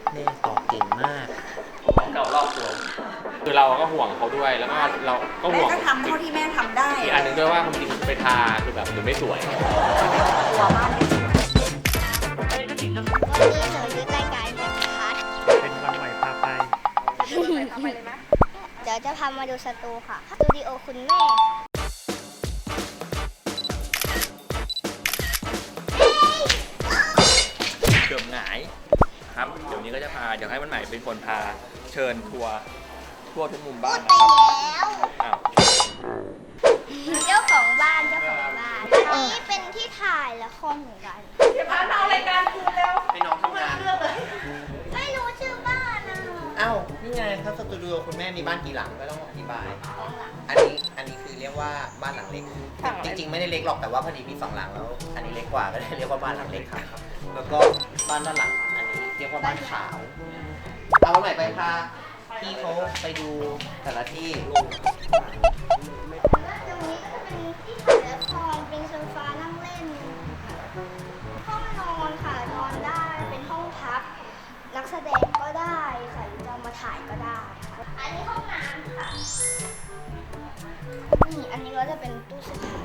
แม่ตอบเก่งมากของเก่ารอบตัวคือเราก็ห่วงเขาด้วยแล้วก็เราก็ห่วงแม่ก็ทำเท่าที่แม่ทำได้อีกอันหนึ่งด้วยว่าความจริงไปทาคือแบบมันไม่สวยกลัวบ้านไม่สวยวันนี้หนูยึดรายการนะคะเป็นวันใหม่พาไปเดี๋ยวจะพามาดูสตูค่ะสตูดิโอคุณแม่เกือบหงายครับเดี๋ยวนี้ก็จะเดี๋ยวให้มันใหม่เป็นคนพาเชิญทัวร์ทั่วทุกมุมบ้านนะไปครับแล้วอ้าวเจ้าของบ้านอันนี้เป็นที่ถ่ายละครเหมือนกันเดี๋ยวพาเอารายการคืนเร็วให้น้องทำงานไม่รู้ชื่อบ้านอ่ะอ้าวนี่ไงถ้าสตูดิโอคุณแม่มีบ้านกี่หลังก็ต้องอธิบายอันนี้คือเรียกว่าบ้านหลังเล็กจริงๆไม่ได้เล็กหรอกแต่ว่าพอดีมี2หลังแล้วอันนี้เล็กกว่าก็เลยเรียกว่าบ้านหลังเล็กครับแล้วก็บ้านด้านหลังอันนี้เรียกว่าบ้านขาวเอาใหม่ไปพาพี่เขาไปดูแต่ละที่ตรงนี้ก็เป็นที่ถ่ายละครเป็นโซฟานั่งเล่นห้องนอนค่ะนอนได้เป็นห้องพักนักแสดงก็ได้ค่ะหรือจะมาถ่ายก็ได้ค่ะอันนี้ห้องน้ำค่ะนี่อันนี้ก็จะเป็นตู้เสื้อผ้า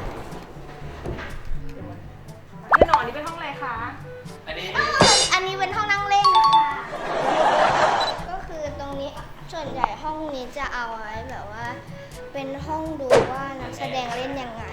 ที่นอนนี่เป็นห้องอะไรคะอันนี้เป็นห้องนั่งเล่นค่ะก็คือตรงนี้ส่วนใหญ่ห้องนี้จะเอาไว้แบบว่าเป็นห้องดูว่านักแสดงเล่นยังไง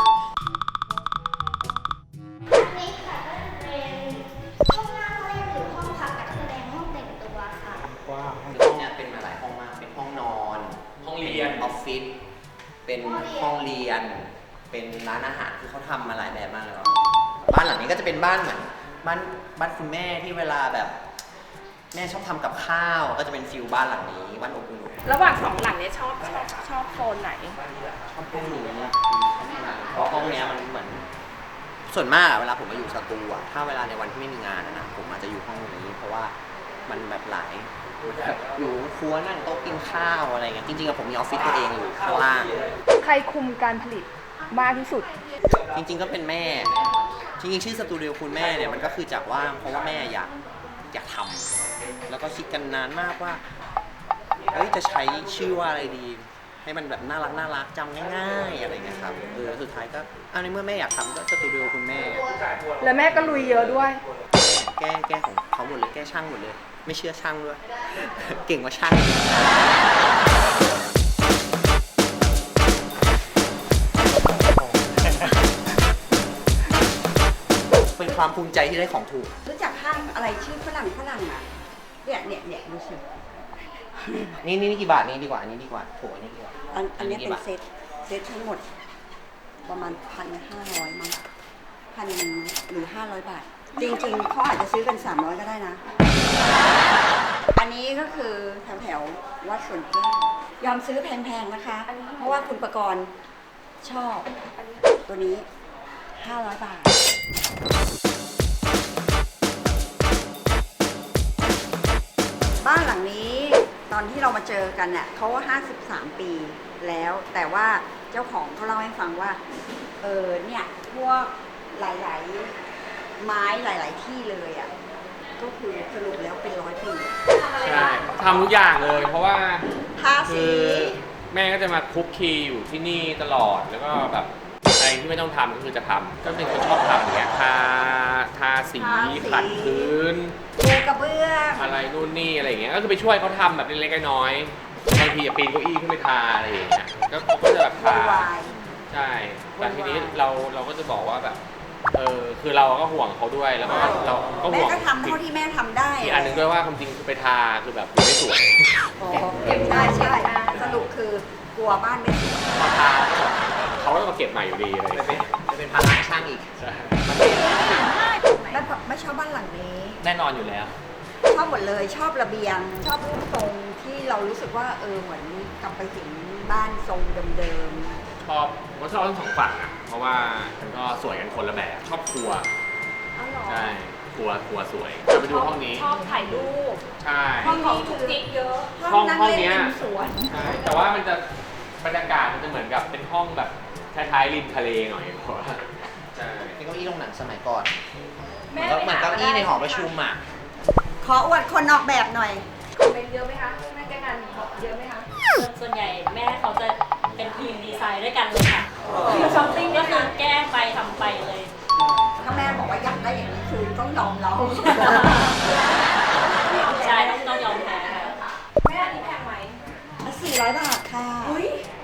นี่ค่ะก็จะเป็นห้องนั่งเล่นหรือห้องพักนักแสดงห้องแต่งตัวค่ะว้าวห้องเนี้ยเป็นมาหลายห้องมากเป็นห้องนอนห้องเรียนออฟฟิศเป็นห้องเรียนเป็นร้านอาหารคือเขาทำมาหลายแบบมากเลยบ้านหลังนี้ก็จะเป็นบ้านเหมือนบ้านคุณแม่ที่เวลาแบบแม่ชอบทำกับข้าวก็จะเป็นฟิลบ้านหลังนี้บ้านอบอุ่นระหว่างสองหลังเนี้ยชอบโซนไหนชอบห้องนี้เพราะห้องเนี้ยมันเหมือนส่วนมากเวลาผมมาอยู่สตูอะถ้าเวลาในวันที่ไม่มีงานนะผมอาจจะอยู่ห้องนี้เพราะว่ามันแบบหลายอยู่ครัวนั่งโต๊ะกินข้าวอะไรเงี้ยจริงๆผมมีออฟฟิศตัวเองอยู่ข้างล่างใครคุมการผลิตมากที่สุดจริงๆก็เป็นแม่จริงๆชื่อสตูดิโอคุณแม่เนี่ยมันก็คือจากว่างเพราะว่าแม่อยากทำแล้วก็คิดกันนานมากว่าจะใช้ชื่อว่าอะไรดีให้มันแบบน่ารักจำง่ายๆอะไรเงี้ยครับสุดท้ายก็ในเมื่อแม่อยากทำก็สตูดิโอคุณแม่แล้วแม่ก็ลุยเยอะด้วยแก้ของเขาหมดเลยแก้ช่างหมดเลยไม่เชื่อช่างด้วย เก่งกว่าช่างเป็นความภูมิใจที่ได้ของถูกรู้จักห้างอะไรชื่อฝรั่งอ่ะเนี่ยดูสินี่กี่บาทนี่ดีกว่าอันนี้ดีกว่าโถนี่ดีกว่าอันนี้เป็นเซตทั้งหมดประมาณ1,500 มั้ง1,000 หรือ 500 บาทจริงๆเขาอาจจะซื้อกัน300ก็ได้นะอันนี้ก็คือแถววัดสวนแก้วยอมซื้อแพงๆนะคะเพราะว่าคุณประกรณ์ชอบตัวนี้500 บาทบ้านหลังนี้ตอนที่เรามาเจอกันเนี่ยเขา53 ปีแล้วแต่ว่าเจ้าของเขาเล่าให้ฟังว่าเนี่ยพวกหลายๆไม้หลายๆที่เลยอ่ะก็คือสรุปแล้วเป็น100 ปีใช่ทำทุกอย่างเลยเพราะว่าทาสีแม่ก็จะมาคุกคีอยู่ที่นี่ตลอดแล้วก็แบบอะไรที่ไม่ต้องทำก็คือจะทำก็เป็นคนชอบทำอย่างเงี้ยทาสีขัดพื้นปูกระเบื้องอะไรนู่นนี่อะไรอย่างเงี้ยก็คือไปช่วยเขาทำแบบเล็กๆน้อยๆบางทีจะปีนเก้าอี้ขึ้นไปทาอะไรอย่างเงี้ยก็จะแบบทาใช่แต่ทีนี้เราก็จะบอกว่าแบบคือเราก็ห่วงเขาด้วยแล้วก็เราก็ห่วงแม่ก็ทำเท่าที่แม่ทำได้อีกอันหนึ่งด้วยว่าความจริงคือไปทาคือแบบไม่สวยใช่สรุปคือกลัวบ้านไม่สวยพอทาเขาก็มาเก็บใหม่อยู่ดีเลยเป็นภาระช่างอีกใช่ไม่ชอบบ้านหลังนี้แน่นอนอยู่แล้วชอบหมดเลยชอบระเบียงชอบรูปทรงที่เรารู้สึกว่าเหมือนกลับไปถึงบ้านทรงเดิมๆชอบทั้งสองฝั่งนะเพราะว่ามันก็สวยกันคนละแบบชอบครัวใช่ครัวสวยจะไปดูห้องนี้ชอบถ่ายรูปใช่ห้องนี้ทุกติ๊กเยอะห้องนี้สวนใช่แต่ว่ามันจะบรรยากาศมันจะเหมือนกับเป็นห้องแบบท้ายๆริมทะเลหน่อยเพราะว่าใช่เป็นเก้าอี้โรงหนังสมัยก่อนเหมือนเก้าอี้ในหอประชุมอ่ะขออวดคนออกแบบหน่อยเป็นเยอะไหมคะแม่แก้งานเยอะไหมคะส่วนใหญ่แม่เขาจะเป็นทีมดีไซน์ด้วยกันเลยค่ะทีมช้อปปิ้งก็คือแก้ไปทำไปเลยถ้าแม่บอกว่าอยากได้อย่างนี้คือต้องยอมเราใช่ต้องยอมแพ้ค่ะแม่อันนี้แพงไหม 400 บาทค่ะอุ้ย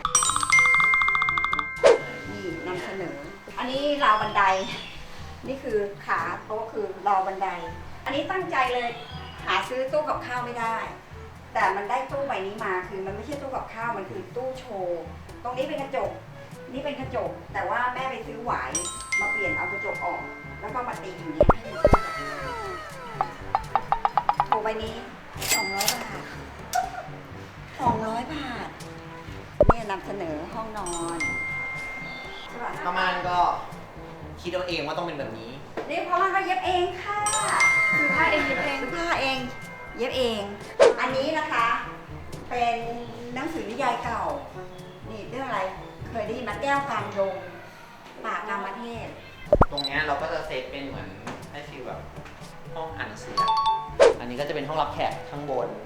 นี่นำเสนอ อันนี้ราวบันได นี่คือขาโต๊ะคือราวบันได อันนี้ตั้งใจเลย หาซื้อตู้กับข้าวไม่ได้ แต่มันได้ตู้ใบนี้มาคือมันไม่ใช่ตู้กับข้าวมันคือตู้โชว์ ตรงนี้เป็นกระจก นี่เป็นกระจก แต่ว่าแม่ไปซื้อหวายมาเปลี่ยนเอากระจกออก แล้วก็มาตีอย่างนี้ให้มันตู้กับข้าวโชว์ใบนี้200 บาท200 บาท เนี่ยนำเสนอห้องนอนใช่ป่ะประมาณก็คิดเอาเองว่าต้องเป็นแบบนี้นี่เพราะว่าเขาเย็บเองค่ะคือผ้าเองเย็บเองซื้อผ้าเอง เย็บเอง อันนี้นะคะ เป็นหนังสือนิยายเก่า นี่เรื่องอะไร เคยได้ยินมาแก้วกลางดงป่ากามเทพตรงเนี้ยเราก็จะเซตเป็นเหมือนให้ฟีลแบบห้องอ่านหนังสืออะอันนี้ก็จะเป็นห้องรับแขกข้างบน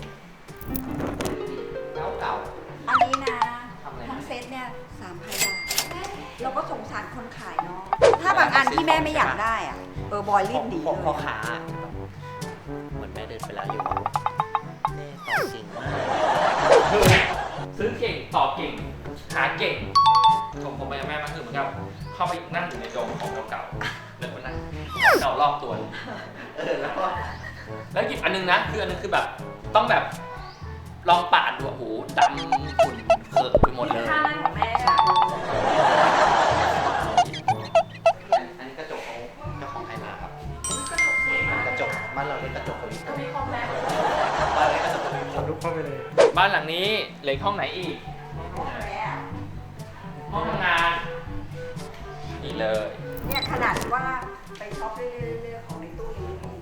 เก่าอันนี้นะทำอะไรทั้งเซตเนี่ย3,000 บาท เราก็สงสารคนขายเนาะ ถ้าบางอันที่แม่ไม่อยากได้อะบอยๆรีบหนีของเลยพ่อค้าเหมือนแม่เดินไปแล้วอยู่ว่าแม่ต่อจริงมากซื้อเก่งต่อเก่งหาเก่งผมไปกับแม่มาคือเหมือนกับเข้าไปนั่งอยู่ในดงของเก่าๆแล้วก็นั่งเก่ารอบตัวแล้วก็แล้วหยิบอันนึงนะคืออันนึงคือแบบต้องแบบลองปาดดูโอ้โหดำขุ่นเคิร์ไปหมดเลยท่านั่งของแม่ค่ะอันนี้กระจกของเจ้าของไทยมาครับกระจกสวยมากกระจกบ้านเราเรียกกระจกโคลิโจะมีคอมแม็กบ้านเราเรียกกระจกโคลิโลุกเข้าไปเลยบ้านหลังนี้เหลืออกห้องไหนอีก ห้องทำงานนี่เลยเนี่ยขนาดว่าไปช็อปเรื่อยๆของในตู้นี้เอง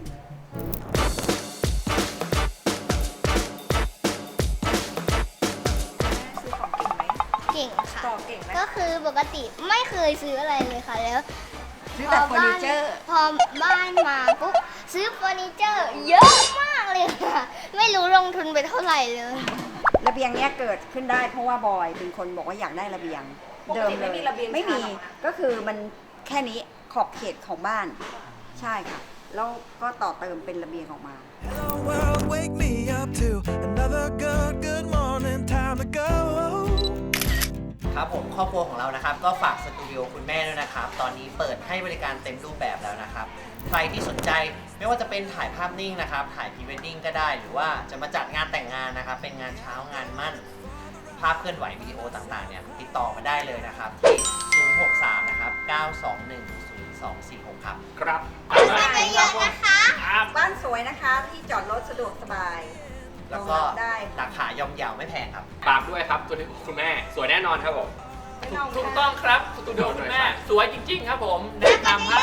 ซื้อของเก่งไหมเก่งค่ะต่อเก่งไหมก็คือปกติไม่เคยซื้ออะไรเลยค่ะแล้วซื้อแต่เฟอร์นิเจอร์พอบ้านมาปุ๊บซื้อเฟอร์นิเจอร์เยอะมากเลยค่ะ ไม่รู้ลงทุนไปเท่าไหร่เลยระเบียงเนี้ยเกิดขึ้นได้เพราะว่าบอยเป็นคนบอกว่าอยากได้ระเบียงปกติไม่มีระเบียงไม่มีชานออกมาก็คือมันแค่นี้ขอบเขตของบ้าน ใช่ค่ะ แล้วก็ต่อเติมเป็นระเบียงออกมา Hello world, wake me up to another good morning, time to go. ครับผมครอบครัวของเรานะครับ ก็ฝากสตูดิโอคุณแม่ด้วยนะครับ ตอนนี้เปิดให้บริการเต็มรูปแบบแล้วนะครับ ใครที่สนใจไม่ว่าจะเป็นถ่ายภาพนิ่งนะครับ ถ่ายพรีเวดดิ้งก็ได้ หรือว่าจะมาจัดงานแต่งงานนะครับ เป็นงานเช้างานมั่น ภาพเคลื่อนไหววิดีโอต่างๆเนี่ยติดต่อมาได้เลยนะครับที่063นะครับ9210246ครับครับเยอะๆนะคะครับบ้านสวยนะคะที่จอดรถสะดวกสบายแล้วก็รองรับได้ราคาย่อมเยาวไม่แพงครับฝากด้วยครับตัวนี้คุณแม่สวยแน่นอนครับผมไม่ต้องถูกต้องครับสตูดิโอคุณแม่สวยจริง ๆ ครับผมแนะนำให้